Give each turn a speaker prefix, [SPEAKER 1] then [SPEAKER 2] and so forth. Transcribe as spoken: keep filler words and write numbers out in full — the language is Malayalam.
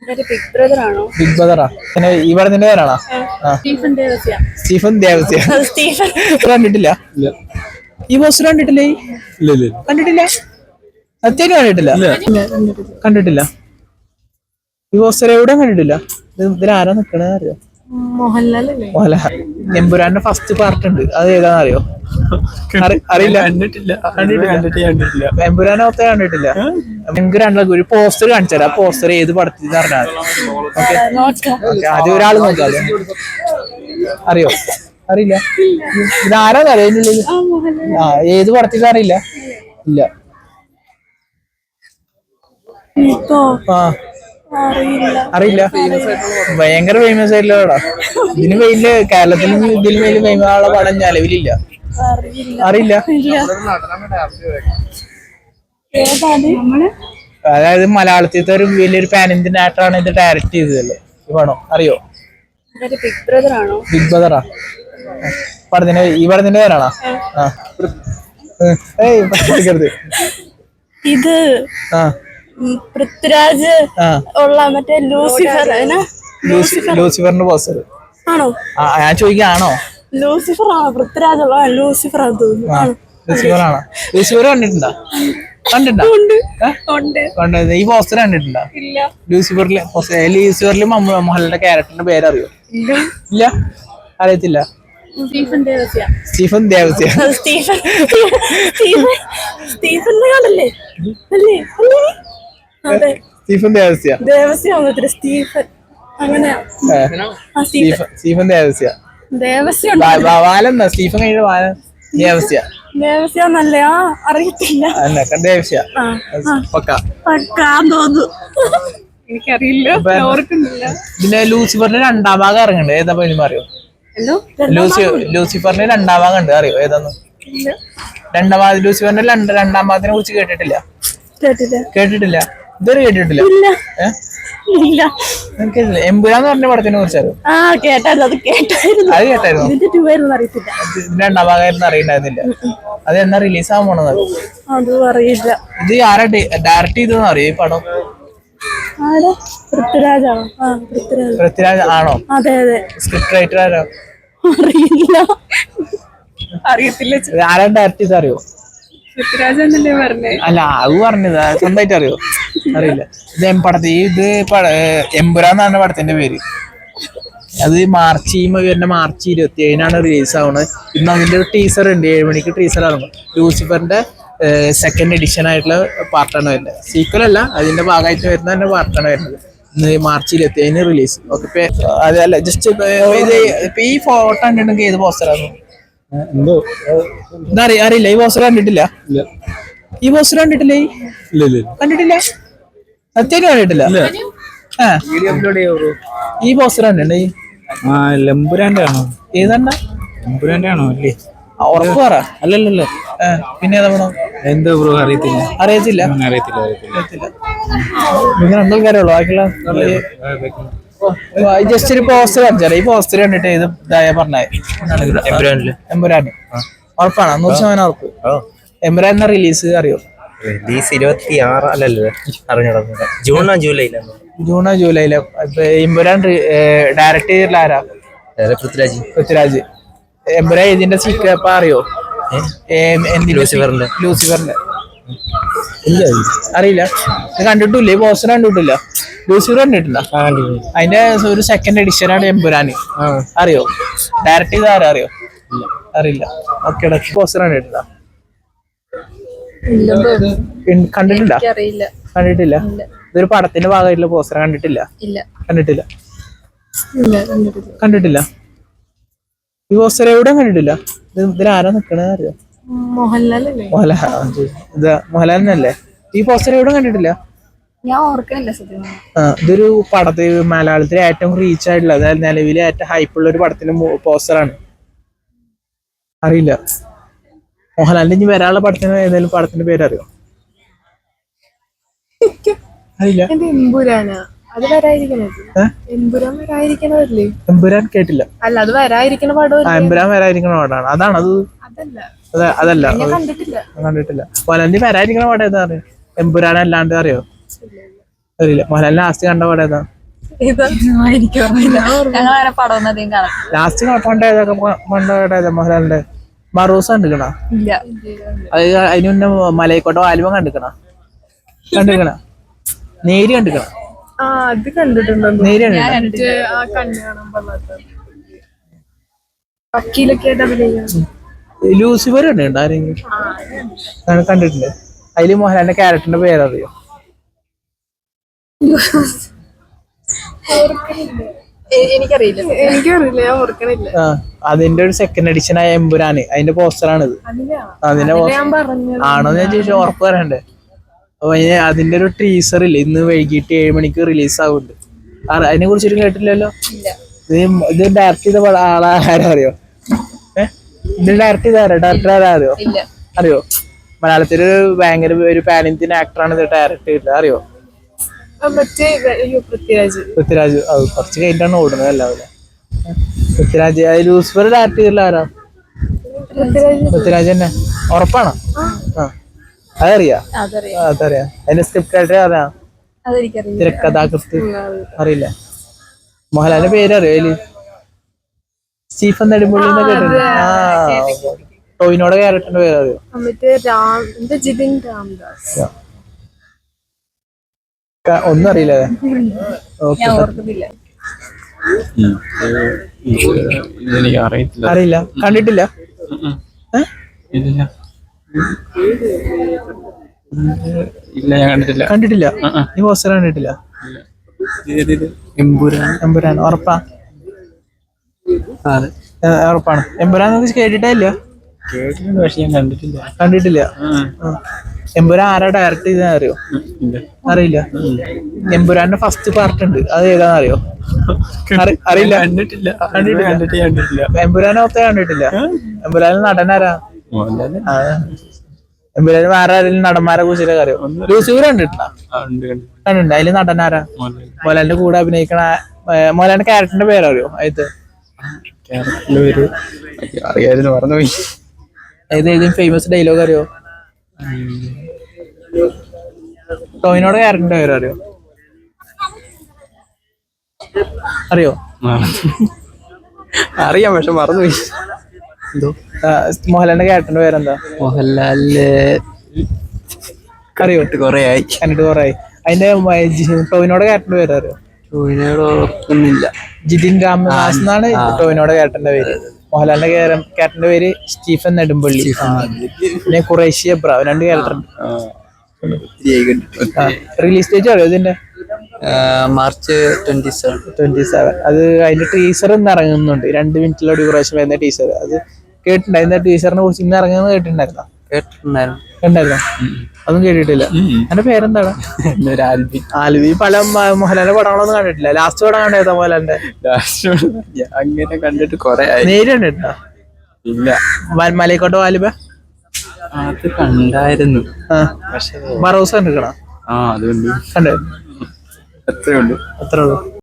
[SPEAKER 1] ബിഗ് ബ്രദർ ആണോ?
[SPEAKER 2] ബിഗ് ബ്രദറാ. പിന്നെ ഈ പടത്തിന്റെ പേരാണോ?
[SPEAKER 1] Stephen Devasya.
[SPEAKER 2] Stephen Devasya.
[SPEAKER 1] Stephen
[SPEAKER 2] കണ്ടിട്ടില്ല. ഈ പോസ്റ്റർ കണ്ടിട്ടില്ലേ? കണ്ടിട്ടില്ല. സത്യം കണ്ടിട്ടില്ല. കണ്ടിട്ടില്ല. ഈ പോസ്റ്റർ എവിടെയും കണ്ടിട്ടില്ല. ഇതിൽ ആരാ നിക്കണേ അറിയോ?
[SPEAKER 1] മോഹൻലാൽ.
[SPEAKER 2] മോഹൻലാൽ. എമ്പുരാന്റെ ഫസ്റ്റ് പാർട്ട് ഉണ്ട്, അത് ഏതാണെന്ന് അറിയോ? അറിയില്ല. കണ്ടിട്ടില്ല. കണ്ടിട്ടില്ല. എമ്പുരാനെ ഒത്ത കണ്ടിട്ടില്ല. എമ്പുരാനുള്ള ഒരു പോസ്റ്റർ കാണിച്ചാൽ ആ പോസ്റ്റർ ഏത് പടത്തിൽ പറഞ്ഞാൽ ആദ്യം ഒരാൾ നോക്കാതെ അറിയോ? അറിയില്ല. ഇതാരാന്ന് അറിയോ? അതിനുള്ളിൽ ആ ഏത് പടത്തിൽ അറിയില്ല. ഇല്ല. ആ അറിയില്ല. ഭയങ്കര ഫേമസ് ആയിട്ടുള്ള ഇതിന് വലിയ കേരളത്തിൽ ഇതിന് വലിയ ഫേമസ് ആയുള്ള പടം നിലവിലില്ല. അറിയില്ല. അതായത് മലയാളത്തിലത്തെ ഒരു വലിയൊരു പാൻ ഇന്ത്യൻ ആക്ടറാണ് ഇത് ഡയറക്ട് ചെയ്തതല്ലേ ഈ പടം. അറിയോ?
[SPEAKER 1] ബിഗ് ബ്രദർ ആണോ?
[SPEAKER 2] ബിഗ് ബ്രദറാ. പടത്തിന്റെ ഈ പടത്തിന്റെ പേരാണോ? ആ
[SPEAKER 1] ഇത് പൃഥ്വിരാജ് ഉള്ള മറ്റേ ലൂസിഫർ.
[SPEAKER 2] ലൂസിഫറിന്റെ പോസ്റ്റർ
[SPEAKER 1] ആണോ?
[SPEAKER 2] ഞാൻ ചോദിക്കാണോ?
[SPEAKER 1] ലൂസിഫർ ആണോ? പൃഥ്വിരാജ് ഉള്ള ലൂസിഫർ
[SPEAKER 2] ലൂസിഫർ ആണോ? ലൂസിഫർ കണ്ടിട്ടുണ്ടോ? കണ്ടിട്ടുണ്ടോ? ഈ പോസ്റ്റർ കണ്ടിട്ടുണ്ടോ? ലൂസിഫറിലെ ലൂസിഫറിൽ മോഹൻലാലിന്റെ ക്യാരക്ടറിന്റെ പേരറിയോ? ഇല്ല. അറിയത്തില്ല.
[SPEAKER 1] Stephen Devasya.
[SPEAKER 2] Stephen Devasya.
[SPEAKER 1] Stephen സ്റ്റീഫന്റെ കാലല്ലേ? അല്ലേ? അതെ,
[SPEAKER 2] സ്റ്റീഫൻ ദേവസ്യ.
[SPEAKER 1] ദേവസ്യ വന്നിട്ട് സ്റ്റീഫൻ അങ്ങനെയാ.
[SPEAKER 2] സ്റ്റീഫൻ ദേവസ്യ.
[SPEAKER 1] ദേവസ്യ
[SPEAKER 2] വാലെന്നാ സ്റ്റീഫൻ കഴിഞ്ഞ വാല ദേവസ്യ.
[SPEAKER 1] ദേവസ്യ നല്ലയാ? അറിയത്തില്ല.
[SPEAKER 2] ദേവസ്യ
[SPEAKER 1] തോന്നുന്നു. എനിക്കറിയില്ല, ഓർക്കുന്നില്ല.
[SPEAKER 2] പിന്നെ ലൂസിഫറിന്റെ രണ്ടാം ഭാഗം ഇറങ്ങുന്നുണ്ട്, ഏതാ പേര് അറിയോ? ലൂസിഫറിന്റെ രണ്ടാം ഭാഗം ഉണ്ട്, അറിയോ ഏതാന്ന്? രണ്ടാം ഭാഗം ലൂസിഫറിന്റെ രണ്ടാം ഭാഗത്തിനെ കുറിച്ച് കേട്ടിട്ടില്ല? കേട്ടിട്ടില്ല. ഇതുവരെ കേട്ടിട്ടില്ല. എമ്പുരാന്ന് പറഞ്ഞ പടത്തിനെ കുറിച്ച് അറിയോ?
[SPEAKER 1] അത് കേട്ടായിരുന്നു.
[SPEAKER 2] അത് കേട്ടായിരുന്നു. ഇതിന്റെ രണ്ടാം ഭാഗമായിരുന്നു അറിയണ്ടായിരുന്നില്ല. അത് എന്നാ റിലീസ് ആവാൻ പോണെന്ന്
[SPEAKER 1] അറിയില്ല.
[SPEAKER 2] ഇത് ആരാ ഡയറക്ട് ചെയ്തെന്ന് അറിയോ ഈ പടം? പൃഥ്വിരാജ് ആണോ?
[SPEAKER 1] അതെ അതെ.
[SPEAKER 2] സ്ക്രിപ്റ്റ് റൈറ്റർ ആരോ?
[SPEAKER 1] അറിയില്ല. അറിയത്തില്ല.
[SPEAKER 2] ആരാ ഡയറക്ട് ചെയ്ത് അറിയോ?
[SPEAKER 1] പൃഥ്വിരാജ് എന്നല്ലേ പറഞ്ഞേ?
[SPEAKER 2] അല്ല, അത് പറഞ്ഞത് സ്വന്തമായിട്ട് അറിയോ? അറിയില്ല. ഇത് പടത്തി ഇത് എമ്പുരാന്നാണ് പടത്തിന്റെ പേര്. അത് മാർച്ച് ഈ വരുന്ന മാർച്ച് ഇരുപത്തി ഏഴിനാണ് റിലീസ് ആവുന്നത്. ഇന്ന് അതിന്റെ ഒരു ടീസർ ഉണ്ട്, ഏഴ് മണിക്ക് ടീസർ ഇറങ്ങും. ലൂസിഫറിന്റെ സെക്കൻഡ് എഡിഷൻ ആയിട്ടുള്ള പാർട്ടാണ് വരുന്നത്. സീക്വൽ അല്ല, അതിന്റെ ഭാഗമായിട്ട് വരുന്ന തന്നെ പാർട്ടാണ് വരുന്നത്. ഇന്ന് മാർച്ച് ഇരുപത്തി ഏഴിന് റിലീസ്. ഓക്കെ. അതല്ല, ജസ്റ്റ് ഇപ്പൊ ഈ ഫോട്ടോ കണ്ടിട്ടുണ്ടെങ്കിൽ ഏത് പോസ്റ്ററാണ്? അറിയില്ല. ഈ പോസ്റ്റർ കണ്ടിട്ടില്ല. ഈ പോസ്റ്റർ കണ്ടിട്ടില്ലേ? കണ്ടിട്ടില്ല. സത്യം കണ്ടിട്ടില്ല. ഈ പോസ്റ്റർ കണ്ടിട്ടുണ്ട്.
[SPEAKER 3] എമ്പുരാന്റെ ആണോ?
[SPEAKER 2] ഏതാണ്ട
[SPEAKER 3] എമ്പുരാന്റെ ആണോ? അല്ലേ,
[SPEAKER 2] ഉറപ്പ് പറ. അല്ലല്ലോ. പിന്നെ ഏതാ പടം?
[SPEAKER 3] എന്താ ബ്രോ? അറിയത്തില്ല.
[SPEAKER 2] അറിയത്തില്ല.
[SPEAKER 3] അറിയത്തില്ല.
[SPEAKER 2] അറിയത്തില്ല. നിങ്ങൾ രണ്ടാൾക്കാരുള്ളൂ. ബാക്കിയുള്ള ജസ്റ്റ് ഒരു പോസ്റ്റർ കാണിച്ചാൽ ഈ പോസ്റ്റർ കണ്ടിട്ട് ഇത് ഇതായ പറഞ്ഞേ എമ്പുരാന് ഉറപ്പാണ്? നൂറ് ശതമാനം ഉറപ്പ്. എമ്പുരാൻ റിലീസ് അറിയോ?
[SPEAKER 3] റിലീസ് ഇരുപത്തി ആറ് അല്ലല്ലോ, അറിഞ്ഞോ? ജൂണോ ജൂലൈയിലാണ്.
[SPEAKER 2] ജൂണോ ജൂലൈയില്. എമ്പുരാൻ ഡയറക്ട് ചെയ്തിട്ടുള്ള ആരാ?
[SPEAKER 3] പൃഥ്വിരാജ്.
[SPEAKER 2] പൃഥ്വിരാജ്. എമ്പുരാൻ ഇതിന്റെ സീക്വൽ അറിയോ?
[SPEAKER 3] ലൂസിഫറിന്റെ.
[SPEAKER 2] ലൂസിഫറിന്റെ അറിയില്ല. കണ്ടിട്ടില്ല. ഈ പോസ്റ്റർ കണ്ടിട്ടില്ല. ലൂസിഫർ കണ്ടിട്ടില്ല. അതിന്റെ ഒരു സെക്കൻഡ് എഡിഷൻ ആണ് എമ്പുരാന്. അറിയോ? ഡയറക്ട് ചെയ്ത ആരാ അറിയോ? അറിയില്ല. ഓക്കെ. പോസ്റ്റർ കണ്ടിട്ടില്ല. കണ്ടിട്ടില്ല. കണ്ടിട്ടില്ല. ഇതൊരു പടത്തിന്റെ ഭാഗമായിട്ടുള്ള പോസ്റ്റർ കണ്ടിട്ടില്ല. കണ്ടിട്ടില്ല. കണ്ടിട്ടില്ല. ഈ പോസ്റ്റർ എവിടെയും കണ്ടിട്ടില്ല. ഇതിൽ ആരാ നിക്കണേ അറിയോ?
[SPEAKER 1] മോഹൻലാൽ.
[SPEAKER 2] ഇത് മോഹൻലാലിനല്ലേ? ഈ പോസ്റ്റർ എവിടെയും കണ്ടിട്ടില്ല.
[SPEAKER 1] ഞാൻ ഓർക്കണില്ല സത്യം.
[SPEAKER 2] ആ ഇതൊരു പടത്തിൽ മലയാളത്തിലെ ഏറ്റവും റീച്ച് ആയിട്ടുള്ള, അതായത് നിലവിലെ ഏറ്റവും ഹൈപ്പുള്ള ഒരു പടത്തിന്റെ പോസ്റ്ററാണ്. അറിയില്ല. മോഹൻലാലിന്റെ ഇനി വരാനുള്ള പടത്തിന് ഏതെങ്കിലും പടത്തിന്റെ പേര് അറിയോ? അറിയില്ല.
[SPEAKER 1] അത് വരായിരിക്കണത്. എമ്പുരാൻ വരായിരിക്കണതല്ലേ?
[SPEAKER 2] എമ്പുരാൻ കേട്ടില്ല.
[SPEAKER 1] അല്ല, അത് വരായിരിക്കണ പടം.
[SPEAKER 2] എമ്പുരാൻ വരായിരിക്കണ പടമാണ്. അതാണ് അത്. അതല്ല, കണ്ടിട്ടില്ല. കണ്ടിട്ടില്ല. മോഹൻലാലിന്റെ വരായിരിക്കണ പടം ഏതാ അറിയോ? എമ്പുരാൻ അല്ലാണ്ട് അറിയോ? അറിയില്ല. മോഹൻലാലിന്റെ ലാസ്റ്റ് കണ്ട പടം ഏതാ?
[SPEAKER 1] എനിക്ക് ഓർമ്മയില്ല ഞങ്ങൾ അങ്ങനെ പടം ഒന്നും അധികം കാണാം
[SPEAKER 2] ലാസ്റ്റ് പണ്ട് ഏതൊക്കെ പണ്ട് ഏതാ മോഹൻലാലിന്റെ മറൂസ് കണ്ടിക്കണ
[SPEAKER 1] ഇല്ല
[SPEAKER 2] അത് അതിന് മുന്നേ മലയക്കോട്ടോ ആലുവ കണ്ടിക്കണ കണ്ടിക്കണ നേരി കണ്ടിക്കണ
[SPEAKER 1] ആ അത് കണ്ടിട്ടുണ്ടോ
[SPEAKER 2] നേരി കണ്ടിക്കണ
[SPEAKER 1] മറ്റേ ആ കണ്ണ് കാണാൻ പാടില്ലാത്ത വക്കീലൊക്കെ ആയിട്ട് അഭിനയിക്കണം
[SPEAKER 2] ലൂസിഫർ കണ്ടിട്ടുണ്ട് ആരെങ്കിലും ഞാൻ കണ്ടിട്ടുണ്ട് അതില് മോഹൻലാലിന്റെ ക്യാരക്ടറിന്റെ പേരറിയോ
[SPEAKER 1] എനിക്കറിയില്ല എനിക്കറിയില്ല ഞാൻ ഓർക്കണില്ല
[SPEAKER 2] ആ അതിന്റെ ഒരു സെക്കൻഡ് എഡിഷൻ ആയ എമ്പുരാന് അതിന്റെ പോസ്റ്ററാണിത് അതിന്റെ
[SPEAKER 1] ഞാൻ പറഞ്ഞു
[SPEAKER 2] ആണോന്ന് ഞാൻ ചോദിച്ചാൽ ഉറപ്പ് പറയണ്ടേ അപ്പൊ അതിന് അതിന്റെ ഒരു ടീസർ ഇല്ല ഇന്ന് വൈകിട്ട് ഏഴ് മണിക്ക് റിലീസ് ആവുന്നുണ്ട് അതിനെ കുറിച്ചൊരു കേട്ടില്ലല്ലോ ഇത് ഇത് ഡയറക്ട് ചെയ്ത പട- ആളാ ആരാ അറിയോ ഏഹ് ഇത് ഡയറക്ട് ചെയ്ത ആരാ ഡയറക്ടർ ആരാ അറിയോ
[SPEAKER 1] ഇല്ല
[SPEAKER 2] അറിയോ മലയാളത്തില് ഭയങ്കര ഒരു പാൻ ഇന്ത്യൻ ആക്ടറാണ് ഇത് ഡയറക്ട് ചെയ്തത് അറിയോ
[SPEAKER 1] ആ, മറ്റേ അയ്യോ പൃഥ്വിരാജ്
[SPEAKER 2] പൃഥ്വിരാജ് അത് കുറച്ച് കഴിഞ്ഞിട്ടാണ് ഓടുന്നത് എല്ലാവരും പൃഥ്വിരാജ് അത് ലൂസിഫർ ഡയറക്ട് ചെയ്തില്ല ആരാ
[SPEAKER 1] പൃഥ്വിരാജ്
[SPEAKER 2] പൃഥ്വിരാജ് തന്നെ ഉറപ്പാണോ ആ അതറിയാ
[SPEAKER 1] അതറിയാം
[SPEAKER 2] ആ, അതറിയാം അതിന്റെ സ്ക്രിപ്റ്റ് ആയിട്ട് അറിയാം
[SPEAKER 1] അതെനിക്കറിയില്ല
[SPEAKER 2] തിരക്കഥാകൃത്ത് അറിയില്ല മോഹൻലാലിന്റെ പേര് അറിയോ അതില് സ്റ്റീഫൻ നെടുമ്പള്ളി എന്ന് കേട്ടിട്ടുണ്ട് ആ ടോവിനോടെ ക്യാരക്ടറിന്റെ പേര് അറിയോ
[SPEAKER 1] ആ, മറ്റേ രാം എന്താ ജിതിൻ രാംദാസ്
[SPEAKER 2] ക- ഒന്നും അറിയില്ല ഓക്കെ
[SPEAKER 1] ഞാൻ ഓർക്കുന്നില്ല
[SPEAKER 4] ഇതെനിക്ക് അറിയത്തില്ല
[SPEAKER 2] അറിയില്ല കണ്ടിട്ടില്ല ഏ?
[SPEAKER 4] ഇല്ല ഇല്ല ഞാൻ കണ്ടിട്ടില്ല
[SPEAKER 2] കണ്ടിട്ടില്ല ഈ പോസ്റ്റർ കണ്ടിട്ടില്ല
[SPEAKER 4] എമ്പുരാൻ
[SPEAKER 2] എമ്പുരാൻ ഉറപ്പാ
[SPEAKER 4] അതെ
[SPEAKER 2] ഏ, ഉറപ്പാണ് എമ്പുരാൻ കേട്ടിട്ടേ ഇല്ല
[SPEAKER 4] കേട്ടിട്ടുണ്ട് പക്ഷെ ഞാൻ കണ്ടിട്ടില്ല
[SPEAKER 2] കണ്ടിട്ടില്ല
[SPEAKER 4] ആ,
[SPEAKER 2] ആ. എമ്പുരാൻ ആരാ ഡയറക്ട് ചെയ്ത അറിയോ
[SPEAKER 4] ഇല്ല
[SPEAKER 2] അറിയില്ല എമ്പുരാന്റെ ഫസ്റ്റ് പാർട്ട് ഉണ്ട് അത് ഏതാന്ന് അറിയോ അറി- അറിയില്ല
[SPEAKER 4] കണ്ടിട്ടില്ല
[SPEAKER 2] കണ്ടിട്ടില്ല.
[SPEAKER 4] കണ്ടിട്ട് കണ്ടിട്ടില്ല
[SPEAKER 2] എമ്പുരാനെ ഒത്ത കണ്ടിട്ടില്ല എമ്പുരാനിൽ നടനാരാ
[SPEAKER 4] മോഹൻലാല്
[SPEAKER 2] ആ. എമ്പുരാന് വേറെ ആരെങ്കിലും നടന്മാരെ കുറിച്ചൊക്കെ അറിയോ ലൂസിഫർ കണ്ടിട്ടുണ്ടോ
[SPEAKER 4] ആ, ഉണ്ട് കണ്ടിട്ടുണ്ട്
[SPEAKER 2] കണ്ടിട്ടുണ്ട് അതില് നടനാരാ
[SPEAKER 4] മോഹൻലാല്
[SPEAKER 2] മോഹൻലാലിന്റെ കൂടെ അഭിനയിക്കണ ഏ, മോഹൻലാലിന്റെ ക്യാരക്ടറിന്റെ പേരറിയോ അത്
[SPEAKER 4] കേരളത്തിലെ ഒരു അറിയായിരുന്നു മറന്നുപോയി
[SPEAKER 2] ഏത് ഏതെങ്കിലും ഫേമസ് ഡയലോഗ് അറിയോ ടോവിനോടെ ക്യാരക്ടറിന്റെ പേര് അറിയോ അറിയോ
[SPEAKER 4] അറിയാം പക്ഷെ മറന്നുപോയി
[SPEAKER 2] എന്തോ മോഹൻലാലിന്റെ ക്യാരക്ടറിന്റെ പേരെന്താ
[SPEAKER 4] മോഹൻലാലില്
[SPEAKER 2] അറിയോ
[SPEAKER 4] കൊറേ ആയി
[SPEAKER 2] കണ്ടിട്ട് കുറെ അതിന്റെ മ- ജി- ടോവിനോടെ ക്യാരക്ടറിന്റെ പേര് അറിയോ
[SPEAKER 4] ടോവിനോട് ഓർക്കുന്നില്ല
[SPEAKER 2] ജിതിൻ രാമദാസ് എന്നാണ് ടോവിനോടെ ക്യാരക്ടറിന്റെ പേര് മോഹൻലാലിന്റെ ക്യാരക്ടറിന്റെ പേര് സ്റ്റീഫൻ നെടുമ്പള്ളി പിന്നെ ഖുറേഷി എബ്ര രണ്ട് ക്യാരക്ടർ റിലീസ് ഡേറ്റ് അറിയോ ഇതിന്റെ
[SPEAKER 4] March twenty seven
[SPEAKER 2] twenty seven അത് അതിന്റെ ടീസർ ഇന്ന് ഇറങ്ങുന്നുണ്ട് രണ്ട് മിനിറ്റിലെ ഡ്യൂറേഷൻ വരുന്ന ടീസർ അത് കേട്ടിട്ടുണ്ട് അതിന്റെ ടീച്ചറിനെ കുറിച്ച് ഇന്ന് ഇറങ്ങുന്നത് കേട്ടിട്ടുണ്ടായിരുന്നോ
[SPEAKER 4] കേട്ടിട്ടുണ്ടായിരുന്നു
[SPEAKER 2] കണ്ടായിരുന്നോ അതും കേട്ടിട്ടില്ല എന്റെ പേരെന്താണ്
[SPEAKER 4] എന്നൊരു ആൽബി
[SPEAKER 2] ആൽവി പല മ- മോഹൻലാലിന്റെ പടങ്ങളൊന്നും കണ്ടിട്ടില്ല ലാസ്റ്റ് പടം കണ്ടായിരുന്നോ മോഹൻലാലിന്റെ
[SPEAKER 4] ഞാൻ അങ്ങനെ കണ്ടിട്ട് കൊറേ ആയി
[SPEAKER 2] നേരി കണ്ടിട്ടുണ്ടോ
[SPEAKER 4] ഇല്ല
[SPEAKER 2] മ- മലയക്കോട്ടെ വാലിബ
[SPEAKER 4] അത് കണ്ടായിരുന്നു
[SPEAKER 2] ആ
[SPEAKER 4] പക്ഷേ
[SPEAKER 2] മറൂസ് കണ്ടിരിക്കണോ
[SPEAKER 4] ആ അതുകൊണ്ട്
[SPEAKER 2] കണ്ടേ
[SPEAKER 4] എത്രയുണ്ട്
[SPEAKER 2] അത്രേ ഉള്ളൂ